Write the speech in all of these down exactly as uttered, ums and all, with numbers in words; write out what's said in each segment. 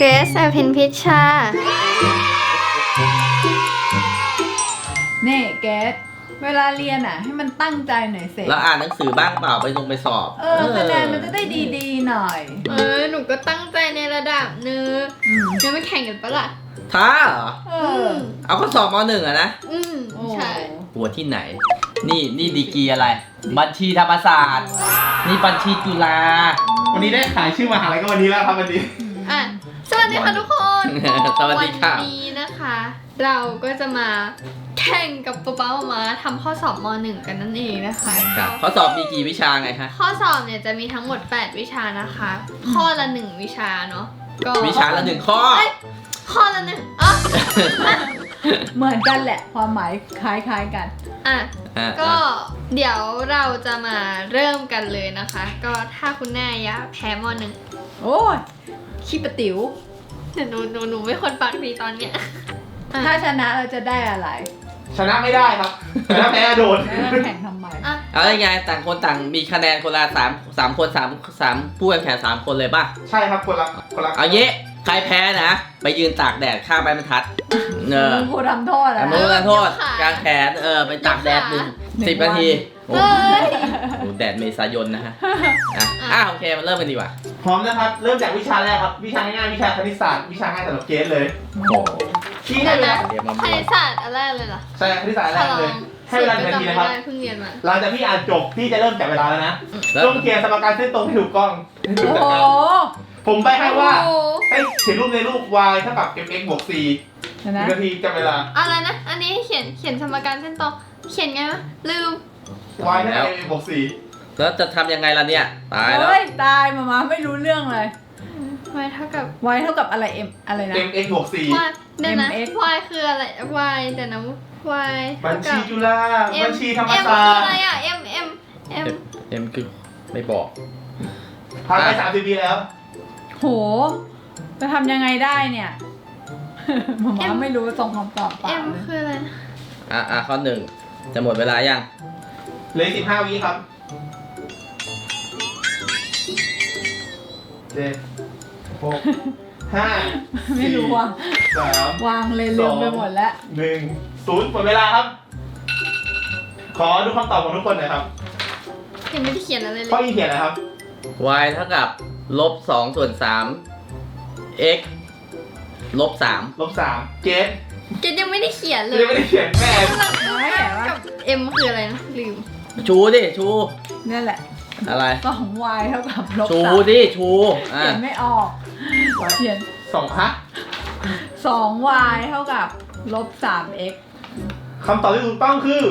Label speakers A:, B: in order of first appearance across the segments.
A: เกรซอภินพิชชา
B: นี่เกสเวลาเรียนอ่ะให้มันตั้งใจหน่อยเสร็จ
C: แล้วอ่านหนังสือบ้างเปล่าไปลงไปสอบ
B: เออคะแนนมันจะได้ดีๆหน่อย
A: เออหนูก็ตั้งใจในระดับหนึงจะไม่แข่งกันปะล่ะ
C: ท้าเหรอ
B: เออ
C: เอาข้อสอบมหนึ่งอะนะ
A: อืมใช่
C: หัวที่ไหน นี่นี่ดีกรีอะไร บัญชีธรรมศาสตร์ นี่บัญชีจุฬา
D: วันนี้ได้ขายชื่อมหาลัยก็วันนี้แล้วครับวันนี้
A: อ่ะสวัสดีค่ะทุกคน
C: สวัสดีค่ะ
A: วันนี้นะคะ เราก็จะมาแข่งกับป๊าป๊ามามาทำข้อสอบมหนึ่งกันนั่นเองนะคะ
C: ครับข้อสอบมีกี่วิชาไงคะ
A: ข้อสอบเนี่ยจะมีทั้งหมดแปดวิชานะคะ ข้อละหนึ่งวิชาเนาะก็
C: วิชาละหนึ่งข้อ
A: เอ้ยข้อละหนึ่งอ๋อ
B: เหมือนกันแหละความหมายคล้ายๆกัน
A: อ่ะ
C: อ่ะ
A: ก็เดี๋ยวเราจะมาเริ่มกันเลยนะคะ ก็ถ้าคุณแม่ยะแพ้มหนึ่ง
B: โอ้ยขี้ปะติ๋ว
A: เดี๋ยวหนูหนูหนูไม่คนปากดีตอนเนี้ยอ่ะ
B: ถ้าชนะเราจะได้อะไร
D: ชนะไม่ได้ครับชนะแพ้โดน
B: แล้วแข่งทำไม
A: อ่ะ
C: เอาได้ไงต่างคนต่างมีคะแนนคนละสามสามคนสามสามผู้แข่งขันสามคนเลยป่ะ
D: ใช่ครับคนละคนละ
C: เอาเยะใครแพ้นะ ไปยืนตากแดดข้ามใบบรรทัดเออ
B: มึงครูทำโทษ
C: แต่
B: อะ
C: มือโทษกลางแขนเออไปตากแดดหนึ่งสิบนาทีโอ้
A: เอ้ย
C: โหแดดเมษายนนะฮะอ่ะอ่ะโอเคมันเริ่มกันดีกว่า
D: พร้อมนะครับ เริ่มจากวิชาแรกครับ วิชาง่ายๆวิชาคณิตศาสตร์วิชาง่ายสำหรับเกสเลย
C: โอ้โห
D: ที่ให้เวลา
C: เรียนมา
A: ค
C: บ้ว
A: ณิ
C: ง
A: ตศาสตร์อันแรกเลยเหรอ
D: ใช่คณิตศาสตร์แรกเลย ให้เวลาหนึ่งนาทีนะครับ
A: จำไม่ได้เพิ่งเรียนมา
D: หลังจากที่อ่านจบพี่จะเริ่มจับเวลาแล้วนะ
C: แล้ว
D: ต้องเขียนสมการเส้นตรงให้ถูกต้องให้ถูก
B: โอ้
D: จัด
B: โห
D: การผมไปให้ว่า
A: โอ้โห
D: ให้เขียนรูปในรูป y เท่ากับ mx บวก c
B: เดี๋ยว
D: ห
B: นะ
D: นึ่งนาทีจับเวลา
A: อะไรนะ อันนี้ให้เขียนเขียนสมการเส้นตรงเขียนไงวะลืม
D: y เท่ากับ mx บวก c
C: แล้วจะทำยังไงล่ะเนี่ยตายแล้ว
B: เฮ้ยตายมามาไม่รู้เรื่องเลย
A: y เท่ากับ
B: y เท่ากับอะไร m อะไรนะ
D: mx บวก c
A: y เดี๋ยวนะ
B: mx
A: y คืออะไร y เดี๋ยวนะ y
D: บั
A: เท่า
D: ญ
A: กั
D: ชี
A: บ
D: จุฬา
A: m
D: บัญชีธรรม
A: m
D: ศา
A: คือ
D: สต
A: อะไร
D: ร์
A: อ่ะ m m m
C: เอ็มคือไม่บอก
D: ผ่านไปสามสิบปีแล้ว
B: โหจะทำยังไงได้เนี่ย มามาไม่รู้ส่งคำตอบเปล่า
A: m
B: เลย
A: คืออะไรนะ
C: อ่ะอ่ะข้อหนึ่งจะหมดเวลายัง
D: เหลือสิบห้าวิครับเจ็ดหกห้า
B: ไม่รู้อ่ะ
D: สาม
B: วางเลยลืมไปหมดแล้ว
D: หนึ่งศูนย์หมดเวลาครับ ขอดูคำตอบของทุกคนหน่อยครับ
A: ยังไม่ได้เขียนอะไรเล
D: ข้อย อีเขียนอะไรครับ
C: y เท่ากับลบสองส่วนสาม x ลบสาม
D: ลบสามเกต
A: เกดยังไม่ได้เขียนเลย
D: ยังไม่ได้เขียนแม่
B: ไม่เห็นว่า
A: กับ m คืออะไรนะลืม
C: ชูดิชู
B: นี่แหละ
C: อะไร
B: สอง y เท่ากับลบ
C: ชู
B: สาม
C: ดิชูอ่ะ
B: เขียนไม่ออกเขียน
D: สองฮะ
B: สอง y เท่ากับลบสาม x
D: คำตอบที่ถูกต้องคือ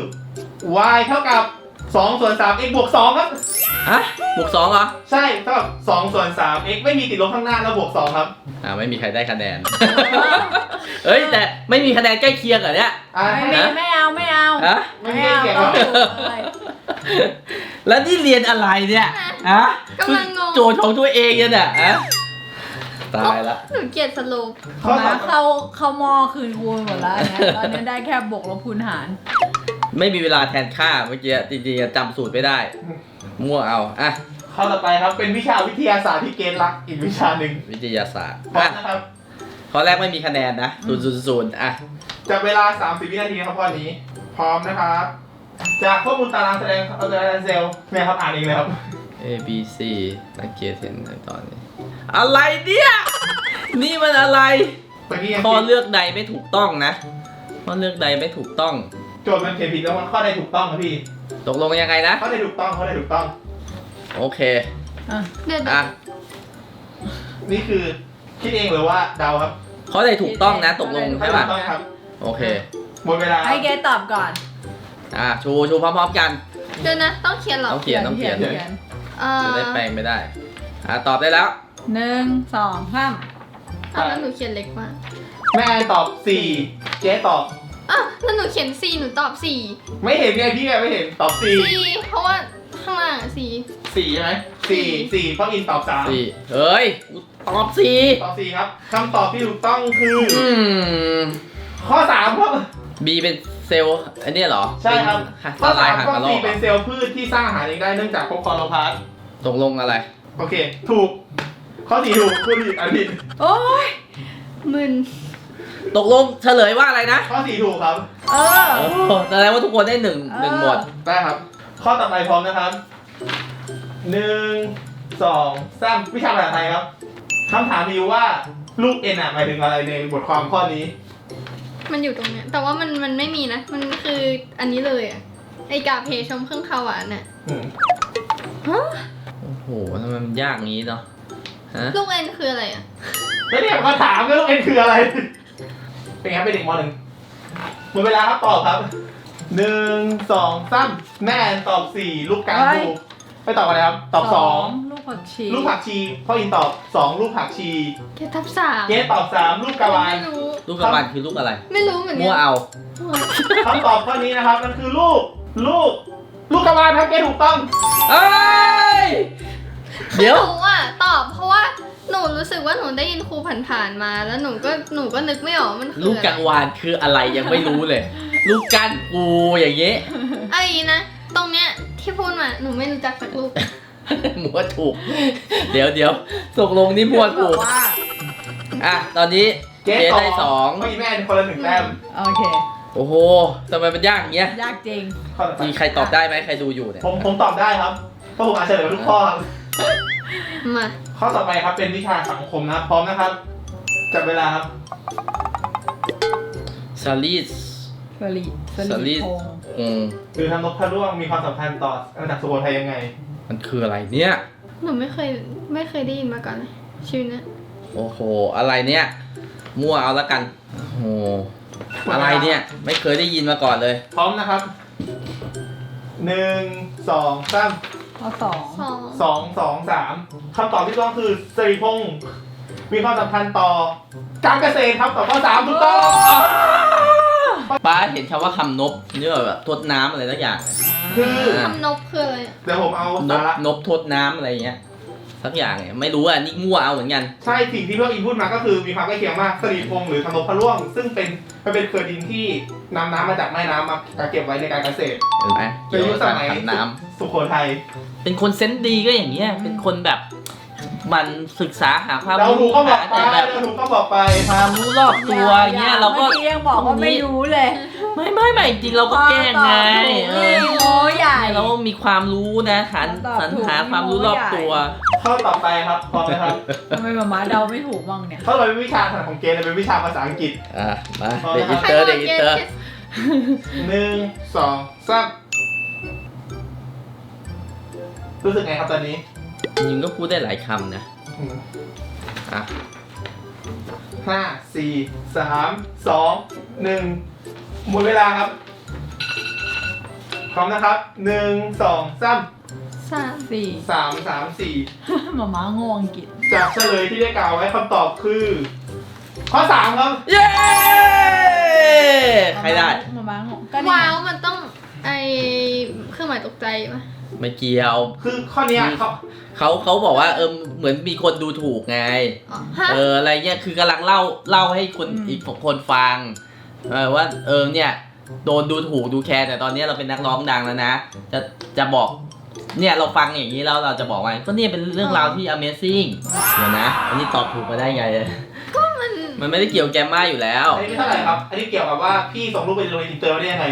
D: y เท่ากับสองส่วนสาม x บวกสองครับ
C: ฮะบวกสองเหรอ
D: ใช่เท่ากับสองส่วนสาม x ไม่มีติดลบข้างหน้าแล้วบวกสองครับ
C: อ่าไม่มีใครได้คะแนน เฮ้ยแต่ไม่มีคะแนนใกล้เคียงเหรอเนี่ย
D: อ่า
B: ไม่
D: ให้
B: มี
D: นะ
B: ไม่เอาไม่เอา
C: ฮะ
D: ไม่
B: ไม่
D: มี
B: เอา
D: เขียน
B: ต้
D: ค
B: อ
D: รั
B: ง
D: บ
B: ถูกเลย
C: แล้วนี่เรียนอะไรเนี่ยฮะ
A: กำลังงง
C: โจทย์ของตัวเองเนี่ยน่ะฮะตายละ
A: หนูเกลียดสโลป
D: ข้อ
B: มา
D: ต่อ
B: เข้าเข้ามอคืนครูหมดแล้วนะตอนนี้ได้แค่บวกลบคูณหาร
C: ไม่มีเวลาแทนค่าเมื่อกี้จริงๆจำสูตรไม่ได้ มั่วเอาอ่ะ
D: ข้อต่อไปครับเป็นวิชาวิทยาศาสตร์ที่เกณฑ์รักอีกวิชาหนึ่ง
C: วิทยาศาสตร์
D: พร้อ
C: อ่ะ
D: มนะครับ
C: ข้อแรกไม่มีคะแนนนะศูนย์ศูนย์ศูนย์อ่ะ
D: จับเวลาสามสิบวินาทีครับข้อนี้ พร้อมนะครับ จากข้อมูลตารางแสดงเอาตารางเซลล์เนี่ยครับอ่านเองเลยครับ
C: A B C สังเกตเห็นในตอนนี้ อะไรเนี่ย นี่มันอะไร
D: ตะกี้ยัง
C: ข้อ
D: ผิด
C: เลือกใดไม่ถูกต้องนะข้อเลือกใดไม่ถูกต้อง
D: โจทย์มันเขียนผิดแล้วมันข้อใดถูกต้องครับพี่
C: ตกลงยังไงนะ
D: ข้อใดถูกต้องข้อใดถูกต้อง
C: โอเค
B: อ่ะ
A: เดี๋ยว
C: อ่ะ
D: นี่คือคิดเองหรือว่าเดาครับ
C: ข้อใดถูกต้องนะ ตกลง
D: ข้อ
C: ใช่
D: ใด
C: ป่ะ
D: ถูกต้องครับ
C: โอเค
D: หมดเวลา
B: ให้เกตตอบก่อน
C: อ่ะชูชูพร้อมๆกัน
A: เดี๋ยวนะ ต้องเขียนเหรอ
C: ต้องเขียนต้องเขียน
B: เขียน
A: เอ่อ
C: จะได้แปลงไม่ได้ อ่ะตอบได้แล้ว
B: หนึ่งสองสาม
A: อ่ะแล้วหนูเขียนเล็กมาก
D: แม่ตอบสี่เจ๊ตอบ
A: อ่ะแล้วหนูเขียน C หนูตอบ 4
D: ไม่เห็นไงพี่ไงไม่เห็นตอบสี่
A: C เพราะว่าข้างล่าง C
D: สี่ใช่ไหมสี่สี่เพราะอินตอบสาม
C: สี่เฮ้ยกูตอบสี่
D: ตอบสี่ครับคำตอบที่ถูกต้องคือ
C: อืม
D: ข้อสามครับ
C: B เป็นเซลล์อันนี้เหรอ
D: ใช่ครับ
C: เป็นละลายหาง
D: ข้อก
C: ระรอ
D: สี่
C: ก
D: เป็นเซลล์พืชที่สร้างอาหารเองได้เนื่องจากพบคลอโรพลาสต์
C: ตกลงอะไร
D: โอเค ถูกข้อสี่ถูกคุณผิดอันผิด
B: โอ้ย
A: มึน
C: ตกลงเฉลยว่าอะไรนะ
D: ข้อสี่ถูกครับ
B: เออ
C: โอ้โหแสดงว่าทุกคนได้หนึ่ง
B: เออ
C: หนึ่งหมด
D: ได้ครับ ข้อต่อไปพร้อมนะครับหนึ่งสองสามวิชาภาษาไทยครับคำถามมีอยู่ว่าลูกเอ็นอะหมายถึงอะไรในบทความข้อนี้
A: มันอยู่ตรงเนี้ยแต่ว่ามันมันไม่มีนะ มันคืออันนี้เลยอะไอกาเพชมเครื่องคาวหวานน่ะ
D: อืม
A: ฮะ
C: โอ้โหทำไมมันยากงี้เนาะฮะ
A: ลูกเอ็นคืออะไรอะ
D: แล้วเนี่ยมาถามว่าลูกเอ็นคืออะไร เป็นไงครับเป็นเด็กมหนึ่งหมดเวลาครับตอบครับหนึ่งสองสามแม่ตอบสี่ลูกกลางถูกไม่ตอบอะไรครับ ตอบสอง
B: ลูกผักชี
D: ลูกผักชีพ่ออินตอบสองลูกผักชี
A: เกทับสาม
D: เกสตอบสามลูกกะวาน
A: ไม่รู้
C: ลูกกระบาลคือลูกอะไร
A: ไม่รู้เหมือนกั
C: มั่วเอา
D: คำตอบข้อนี้นะครับมันคือลูก ลูก ลูกกะวานครับเกสถูกต้อง
C: เอ้ย เดี๋ยว
A: หนูอะตอบเพราะว่าหนูรู้สึกว่าหนูได้ยินครูผ่านๆมา แล้วหนูก็หนูก็นึกไม่ออกมันคือ
C: ลูก
A: อะไร
C: กังวานคืออะไรยังไม่รู้เลย ลูกก้านปูอย่างเงี้ย
A: ไอ้นะ ตรงเนี้ยที่พูดมาหนูไม่รู้จักสักลูก
C: มั่วถูก เดี๋ยวเดี๋ยวตกลงนี่มั่วถูก
B: ว่า
C: อ่ะ ตอนนี้
D: เก
C: เจ
D: ส
C: ได้สอง
D: พ่ออินแม่คนละหนึ่งแต้ม
B: โอเค
C: โอ้โหทำไมมันยากอย่างเงี้ย
B: ยากจริง
D: ข้อต่อไป
C: มีใครตอบได้ไหมใครดูอยู่เนี่ย
D: ผมผมตอบได้ครับเพราะผมอ่านเฉลยมาทุกข้อครับ
A: มา
D: ข้อต่อไปครับเป็นวิชาสังคมนะครับพร้อมนะครับจับเวลาครับ
C: ซาลิส
B: สลีส
C: สลี
B: ลีพงษ์
C: อืม
D: คือทำนกพระร่วงมีความสำคัญต่ออาณาจักรสุโขทัยยังไง
C: มันคืออะไรเนี่ย
A: หนูไม่เคยไม่เคยได้ยินมาก่อนเลยชีวิตเนี้ย
C: โอ้โห อะไรเนี่ย มั่วเอาละกัน โอ้โห อะไรเนี่ย ไม่เคยได้ยินมาก่อนเลย
D: พร้อมนะครับหนึ่งสองสาม
B: ข้อสอง
A: สอง
D: สองสองสามคำตอบที่ต้องคือสิริพงศ์มีความสำคัญต่อการเกษตรครับตอบข้อสามถูกต้อง
C: ป้าเห็นคำว่าคำนบเนี่ยแบบทดน้ำอะไรสักอย่าง
D: คือ
A: คำนบคืออะไรอะ
D: เดี๋ยวผมเอา
C: น
D: สา
C: บ
D: ระ
C: นบทดน้ำอะไรเงี้ย สักอย่างเนี่ยไม่รู้อ่ะ นี่มั่วเอาเหมือนกัน
D: ใช่สิ่งที่พี่อินพูดมาก็คือมีความใกล้เคียงมากสิริพงศ์หรือทำนกพระร่วง ซึ่งเป็นมันเป็นเขื่อนดินที่นำน้ำมาจากแม่น้ำมาเก็บไว้ในการเกษตร
C: เห็นไหม
D: ใน
C: เกี่ยว
D: ยุค
C: กับ
D: ส
C: การ
D: มัย
C: ทำน้
D: สุโขทัย
C: ำเป็นคนเซนส์ดีก็อย่างเงี้ย เป็นคนแบบ มันศึกษาหาความ
D: เรา
C: รู้
D: ถูกก็บอก
C: หา
D: ไป
C: แต่แบบ
D: เราถูกก็บอกไป
C: ความรู้รอบตัวอย่างเงี้ย เราก็
B: เมื่อกี้ยังบอกว่าไม่รู้เลย
C: ไม่ไม่ไม่จริงเราก็แกล้งไงเออ
B: โอ้ใหญ่
C: เราก็มีความรู้นะหา
B: ตอบ
C: สรร
B: ถูก
C: หาความรู้รอบตัว
D: ข้อต่อไปครับพร้อมนะครับ
B: ทำไมมาม่าเดาไม่ถูกบ้างเนี่ย
D: ข้อต่อไปเป็นวิชาถนัดของเกณฑ์เป็นวิชาภาษาอังกฤษ
C: อ่ะมาเด็กอินเตอร์เด็กอินเตอร์
D: หนึ่งสองสามรู้สึกไงครับตอนนี้
C: ยิงก็พูดได้หลายคำนะ
D: อืม
C: อ่ะ
D: ห้าสี่สามสองหนึ่งหมดเวลาครับ พร้อมนะครับหนึ่งสองสาม
A: สาม
B: สี่
D: สามสามสี่
B: มาม่าโงงอังกฤษ
D: จากเฉลยที่ได้กล่าวไว้คำตอบคือ ข้อสามครับ
C: เย้ใครได้
B: มาม่าโงงก็นี่
A: ว้าวมันต้องไอเครื่องหมายตกใจปะ
C: ไม่เกี่ยว
D: คือข้อเนี้ยเขา
C: เขาเขาบอกว่าเออเหมือนมีคนดูถูกไง
A: อ๋อฮะ
C: เอออะไรเงี้ยคือกำลังเล่าเล่าให้คนอีกคนฟังเออว่าเออเนี่ยโดนดูถูกดูแคร์แต่ตอนนี้เราเป็นนักร้องดังแล้วนะ จะจะบอกเนี่ยเราฟังอย่างนี้แล้วเราจะบอกว่าก็เนี่ยเป็นเรื่องราวที่ Amazing เดี๋ยวนะ อันนี้ตอบถูกมาได้ไงเลย
A: มัน
C: มันไม่ได้เกี่ยวแกมมาอยู่แล้ว
D: อันนี้เท่าไหร่ครับ อันนี้เกี่ยวกับว่าพี่ส่งรูปไปโรงเรียนอินเตอร์ได้ยังไง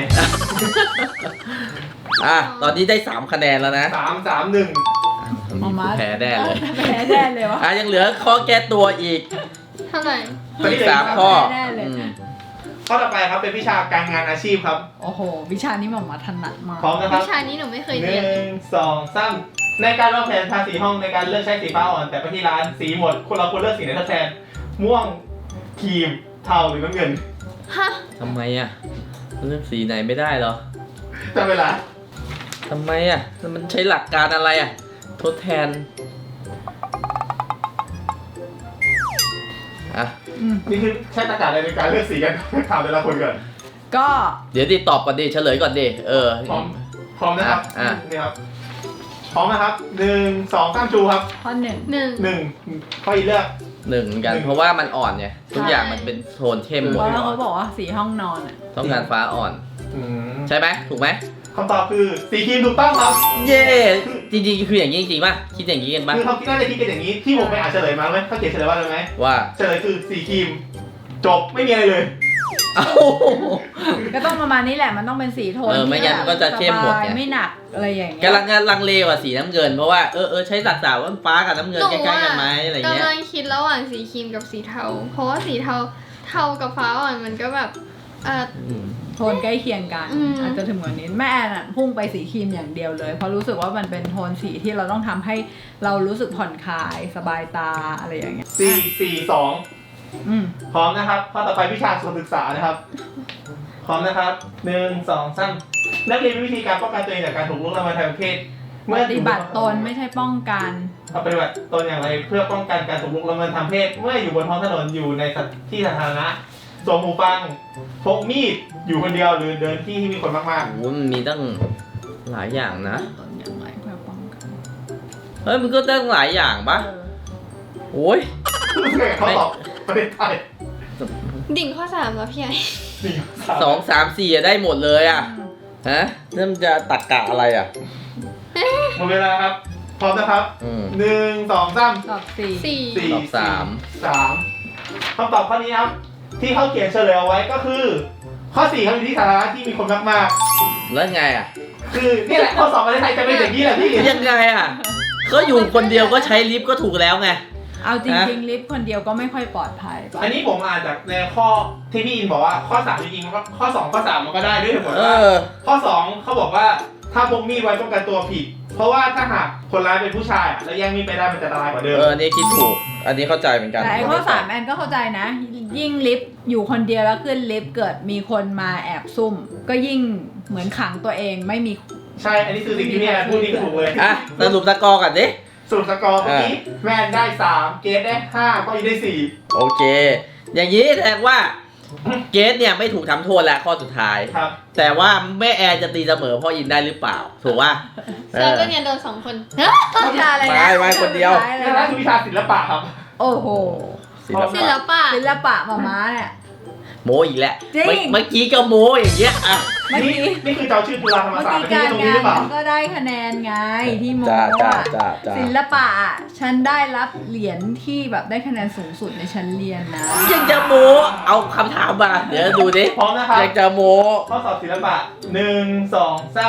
C: อ่ะตอนนี้ได้สามคะแนนแล้วนะ
D: สามสามหนึ่ง
B: มาม่า
C: แพ้แน่เลย
B: แพ้แน่เลยวะ
C: อ่ะยังเหลือข้อแก้ตัวอีก
A: เท่าไหร่
C: อีกสามข้อ
B: แน่เลย
C: อืม
D: ข้อต่อไปครับเป็นวิชาการงานอาชีพครับ
B: โอ้โห วิชานี้มาม่าถนัดมาก
D: พร้อมนะครับ
A: วิชานี้หนูไม่เคย
D: ห
A: เรียน
D: นึ่งสองสามในการวางแผนทาสีห้องในการเลือกใช้สีฟ้าอ่อน แต่ไปที่ร้านสีหมดคนเราควรเลือกสีไหนทดแทน ม่วงครีมเทาหรือน้ำเงิน
A: ฮะ
C: ทำไมอ่ะเลือกสีไหนไม่ได้เหรอ
D: จำเวลา
C: ทำไมอ่ะมันใช้หลักการอะไรอ่ะทดแทนอ่ะ
B: อืม
D: นี่คือใช้ตรรกะอะไรในการเลือกสีกัน ถามแต่ละคนก่อน
B: ก็
C: เดี๋ยวดิตอบก่อนดิเฉลยก่อนดิเออ
D: พร้อมพร้อมนะครับ
C: อ่ะ
D: นี่ครับพร้อมนะครับหนึ่งสองสามชูครับ
B: ข้อหนึ่ง
A: หนึ่ง
D: หนึ่งข้ออีกเลือก
C: หนึ่งเหมือนกัน
D: หนึ่ง
C: เพราะว่ามันอ่อนไงทุกอย่างมันเป็นโทนเข้มหม
B: เพ
C: ด
B: ราะว่าเขาบอกว่าสีห้องนอนอ่ะ
C: ต้องการฟ้าอ่อน
D: อืม
C: ใช่ไหมถูกไหม
D: คำตอบคือสีครีมถูกต้องครับ
C: เย่จริงๆคืออย่างนี้จริงๆป่ะคิดอย่างนี้กันป่ะ
D: คือเขาคิดน่าจะคิดกันอย่างนี้ที่ผมไปอ่านเฉลยมาไหมเขาเขียนเฉลยว่าอะไรไหม
C: ว่า
D: เฉลยคือสีครีมจบไม่มีอะไรเลย
C: เอ้า
B: ก็ต้องประมาณนี้แหละมันต้องเป็นสีโทน
C: เออไม่งั้น
B: ที่
C: ก็จะเข้มหมดไง
B: สบายไม่หนักอะไรอย่างเงี้ย
C: กำลังลังเลกว่าสีน้ำเงินเพราะว่าเออเออใช้สัดส่วนว่าฟ้ากับน้ำเงินใกล้ๆกันไหมอะไรเงี้ย
A: กำลังคิดระหว่างสีครีมกับสีเทา เพราะว่าสีเทาเทากับฟ้าอ่อนมันก็แบบเออ
C: อืม
B: โทนใกล้เคียงกัน
A: อืม
B: อาจจะถึงกว่านี้แม่แอนอะพุ่งไปสีครีมอย่างเดียวเลยเพราะรู้สึกว่ามันเป็นโทนสีที่เราต้องทำให้เรารู้สึกผ่อนคลายสบายตาอะไรอย่างเงี้ย
D: สี่สี่สอง
B: อืม
D: พร้อมนะครับข้อต่อไปวิชาสุขศึกษานะครับ พร้อมนะครับหนึ่งสองสามนักเรียนมีวิธีการป้องกันตัวเองจากการถูกล่วงละเมิดทางเพศ
B: ปฏิบัติตนไม่ใช่ป้องกัน
D: เอาปฏิบัติตนอย่างไรเพื่อป้องกันการถูกล่วงละเมิดทางเพศ เมื่ออยู่บนท้องถนนอยู่ในที่สาธารณะสวมหูฟังพกมีดอยู่คนเดียวหรือเดินที่ที่มีคนมาก
C: โอ้โหมันมีตั้งหลายอย่างนะ
B: ตนอย่างไรเพื่อป้องกัน
C: เฮ้ยมันก็ตั้งหลายอย่างปะ
B: เออ
C: โอ้ย
D: ๆเขาตอบประเทศไทย
A: ดิ่งข้อสามแล้วพี่ไอ
D: สี่
C: สองสามสี่อะได้หมดเลยอะฮะนั่นจะตักกะอะไรอะ
D: หมดเวลาครับ พร้อมนะครับ
C: อืม
D: หนึ่งสองสาม
B: ตอบสี่
A: สี่
D: สี่
C: ตอบสาม
D: สามคำตอบข้อนี้ครับ ที่เขาเขียนเฉลยเอาไว้ก็คือ ข้อสี่ครับอยู่ที่สาธารณะที่มีคนมาก
C: แล้วไงอะ
D: ๆคือนี่แหละข้อสอบประเทศไทยจะเป็นอย่างนี้แหละพี่
C: ยังไงอะก็อยู่คนเดียวก็ใช้ลิฟต์ก็ถูกแล้วไง
B: เอาจริงๆลิฟต์คนเดียวก็ไม่ค่อยปลอดภัยป่ะ
D: อันนี้ผมอ่านจากในข้อที่พี่อินบอกว่าข้อสามจริงๆมันก็ข้อสองข้อสามมันก็ได้ด้วยเหตุผล
C: เอ
D: ว่า
C: อ
D: ข้อสองเขาบอกว่าถ้าพกมีดไว้ป้องกันตัวผิด เพราะว่าถ้าหากคนร้ายเป็นผู้ชายอะแล้วแย่งมีดไปได้มันจะอันตรายกว่าเดิม
C: เอออันนี้คิดถูก อันนี้เข้าใจเหมือนกัน
B: แต่ไอ้ข้อสามแอนก็เข้าใจนะ ยิ่งลิฟต์อยู่คนเดียวแล้วขึ้นลิฟต์เกิดมีคนมาแอบซุ่ม ก็ยิ่งเหมือนขังตัวเองไม่มี
D: ใช่อันนี้คือสิ่งที่พี่แอนพูดนี่คือถูกเลย
C: อ่ะสรุปตะกอร์กันดิ
D: สรุปสกอร์เมื่อกี้แมนได้สามเกรดได้ห้าก็อีได้สี่
C: โอเค อย่างนี้แสดงว่าเกสเนี่ยไม่ถูกทำโทษแล้วข้อสุดท้าย
D: ครับ
C: แต่ว่าแม่แอร์จะตีเสมอพ่ออินได้หรือเปล่า ถูกป่ะเอ
A: แล้ว
C: อ
A: ก็เนี่ยโดนสองคน
B: วิชาอะไรนะ
C: ไม่ไม่คนเดียว
B: วิชาอะไร
D: นี่
B: นะ
D: คือวิชาศิลปะครับ
B: โอ้โห
C: ศิล
A: ศิล
C: ปะ
A: ปะ
B: ศิลปะมาม้าเนี่ย
C: โมอีกแล้ว
B: จริง
C: เมื่อเมื่อกี้ก็โมอย่างเงี้ยอ่ะ
B: เมื่อ
D: นี่
B: กี้
D: นี่คือเจ้าชื่อจุฬาธรรม
B: เมื่อ
D: ศาสต
B: กี้
D: ร์ไม่ใช่
B: การ
D: ตรงนี้
B: งา
D: ห
B: น
D: รือเปล่า
B: มันก็ได้คะแนนไงที่โม
C: จ้าจ้า
B: อะ
C: จ้าจ้า
B: ศิลปะอะฉันได้รับเหรียญที่แบบได้คะแนนสูงสุดในชั้นเรียนนะ
C: ยังจะโมเอาคำถามมาเดี๋ยวดูดิ
D: พร้อมนะครับ
C: ยังจะโม
D: ข้อสอบศิลปะหนึ่งสองสาม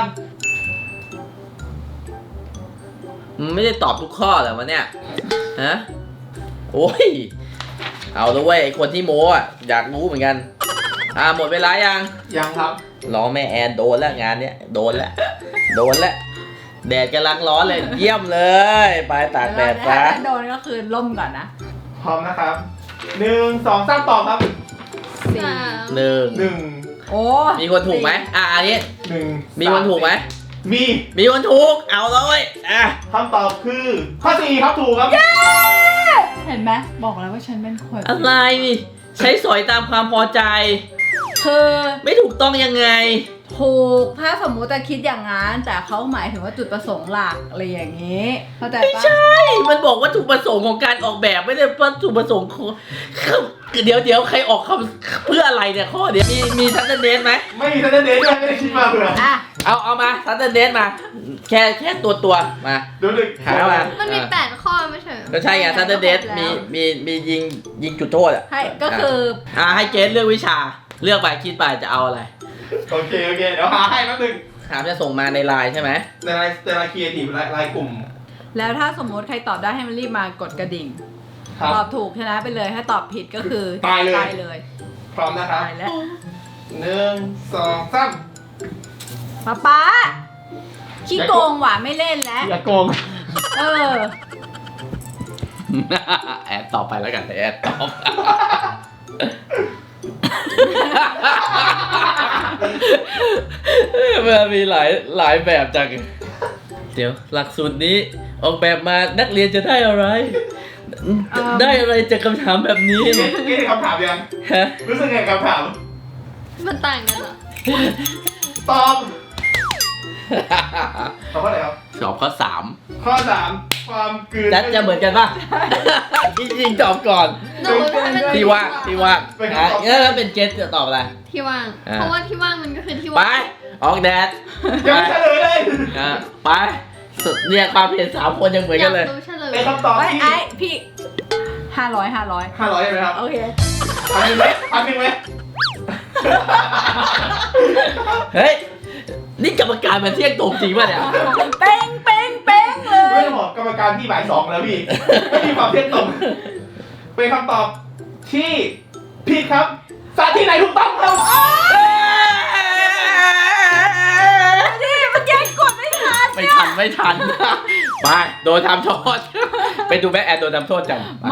C: มันไม่ได้ตอบทุกข้อเหรอวะเนี่ยฮะโอ้ยเอาละเว้ยไอ้คนที่โมอ่ะอยากรู้เหมือนกันอ่าหมดเวลายัง
D: ยังครับ
C: รอแม่แอนโดนแล้วงานเนี้ยโดนแล้วโดนแล้วแดดกำลังร้อนเลยเยี่ยมเลยไปตากแดดซะ
B: ถ้าโดนก็คือล่มก่อนนะ
D: พร้อมนะครับหนึ่งสองสามตอบครับ
B: สี่
A: สาม
C: หนึ่ง
D: หนึ่ง
B: โอ้
C: มีคนถูกไหมอ่ะอันนี้
D: หนึ่ง
C: มีคนถูกไหม
D: มี
C: มีคนถูกเอาเลยอ่ะ
D: คำตอบคือข้อสี่ครับถูกครับ
B: เห็นไหมบอกแล้วว่าฉันเป็นคน
C: อะไรใช้สอยตามความพอใจ
B: คือ
C: ไม่ถูกต้องยังไง
B: ถูกถ้าสมมุติจะคิดอย่างนั้นแต่เขาหมายถึงว่าจุดประสงค์หลักอะไรอย่างนี้เข้าใจ
C: ไม่
B: ปะ
C: ใช่ มันบอกว่าถูกประสงค์ของการออกแบบไม่ได้ว่าถูกประสงค์ของเดี๋ยวเดี๋ยวใครออกคำเพื่ออะไรเนี่ยข้อเดี๋ยวมีมีทัศนเดนไหม
D: ไม่มีทันเดนด้วยไม่ได้คิดมาเผื่อ
B: อ่ะ
C: เอาเอามาทัศนเดนมา แค่แค่ตัวตัวมา
D: ดูดึก
C: หามา
A: มันมีแปดข้อไม่ใช่เหรอ
C: ก็ใช่ไงทัศนเดนมีมีมียิงยิงจุดโทษอ่ะ
B: ให้ก็คือ
C: อ่าให้เกสเลือกวิชาเลือกไปคิดไปจะเอาอะไร
D: โอเคโอเคเดี๋ยวหาให้แป๊บนึง
C: ถามจะส่งมาในไลน์ใช่ไหม
D: ในไลน์ในไลน์ครีเอทีฟไลน์กลุ่ม
B: แล้วถ้าสมมติใครตอบได้ให้มันรีบมากดกระดิ่ง
D: ครับ
B: ตอบถูกชนะไปเลยถ้าตอบผิดก็คือ
D: ตายเลย
B: ตายเลย
D: พร้อมนะครับ
B: ตายแล้ว
D: หนึ่งสองสาม
B: ป๊าป๊าขี้โกงว่ะไม่เล่นแล้ว
D: อย่าโกง
B: เออ
C: แอดตอบไปแล้วกันแอดตอบมันมีหลายหลายแบบจังเดี๋ยวหลักสูตรนี้ออกแบบมานักเรียนจะได้อะไร ได้อะไรจากคำถามแบบนี้
D: นี่นี่คำถามยัง
C: ฮะ
D: รู้สึกไงกับคำถาม
A: มันต่างกันเหรอ
D: ตอบตอบข้อไหนครับ
C: สอบข้อสาม
D: ข้อสามความกลืน
C: จะจะเหมือนกันป่ะ จริงๆตอบก่อน
A: หนูว่ามัน
C: ที่ว่างที่ว่างอ่ะงั้นถ้าเป็นเจสจะตอบอะไร
A: ที่ว่าง
C: อ่า
A: เพราะว่าที่ว่างมันก็คือที่
C: ไป
A: ว่าง
C: ออกแดด
D: ยังไม่เฉลยเลย
C: อ่ะไปสุดเนี่ยความเห็นสามคนยังเหมือน
A: อ
C: กั
A: ยาน ก
C: เลย
A: รู้เฉลย
D: เป็นคำตอบ
B: ไอ้
D: ที่
B: ไอ้พี่ห้าร้อยห้าร้อย
D: ห้าร้อยใช่ไหมครับ
B: โอเค
D: พันหนึ่งไหมพันหนึ่งไหม
C: เฮ้ย นี่กรรมการมาเที่ยงตรงจริงป่ะเนี่ย
B: เป้งเป้งเป้งเล
D: ไม่
B: ย
D: ได้บอกกรรมการที่บ่ายสองแล้วพี่ ไม่มีความเที่ยงตรง เป็นคำตอบที่ผิดครับสถานที่ไหนถูกต้องครับ
B: นี่มันแย่งกดไม่ทัน
C: ไม่ทันไม่ทัน ไปโดนทำโทษ ไปดูแบ็คแอนโดนทำโทษกันไป
B: ไม่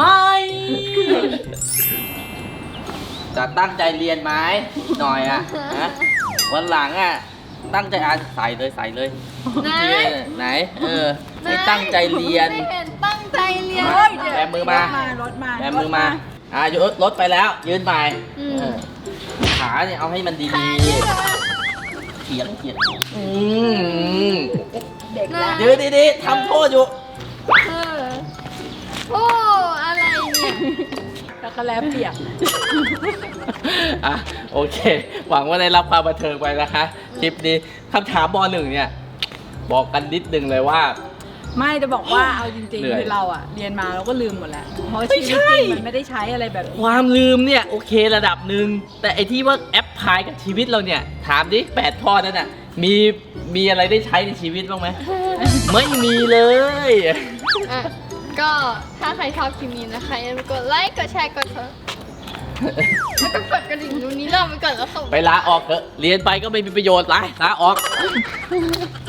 C: จะตั้งใจเรียนไหมหน่อยอ่ะนะวันหลังอ่ะ ตั้งใจอ่านใส่เลยใส่เลย
A: ไหน
C: ไหน เออไม่ตั้งใจเรียน
A: ไม่เห็นตั้งใจเรียน
C: มา
B: เฮ้ยเดี๋ยว
C: แบมือมา
B: รถมา
C: แบมือมา อ่ะยกรถไปแล้ว ยืนใหม่
A: อืม
C: เออขาเนี่ยเอาให้มันดี
A: ใครเนี่ย
C: ๆเขียงเขียงอืม
B: เด็กแล้ว
C: ยืนดีๆทำโทษอยู่
A: เออโอ้อะไรเนี่ย
B: แล้วก็แล้วเปียก
C: อ่ะโอเค หวังว่าได้รับความบันเทิงไปนะคะ คลิปนี้คำถามบอหนึ่งเนี่ย บอกกันนิดนึงเลยว่า
B: ไม่จะบอกว่าเอาจริง
C: เหนื่
B: ๆ
C: อย
B: คือเราอะเรียนมาเราก็ลืมหมดแล้วเพราะ
C: ไม่
B: ชี
C: ใช่
B: วิตจริงมันไม่ได้ใช้อะไรแบบนี้
C: ความลืมเนี่ย โอเคระดับหนึ่งแต่ไอที่ว่าแอปพลายกับชีวิตเราเนี่ย ถามดิแปดข้อนั้นน่ะมีมีอะไรได้ใช้ในชีวิตบ้างไหม ไม่มีเลย
A: อ่ะก็ถ้าใครชอบคลิปนี้นะคะอย่าลืมกดไลค์กดแชร์กดซับแล้วก็กดกระดิ่งตรงนี้เราไปก่อนแล้วค่ะ
C: ไปลาออกเถอะเรียนไปก็ไม่มีประโยชน์ไรลาออก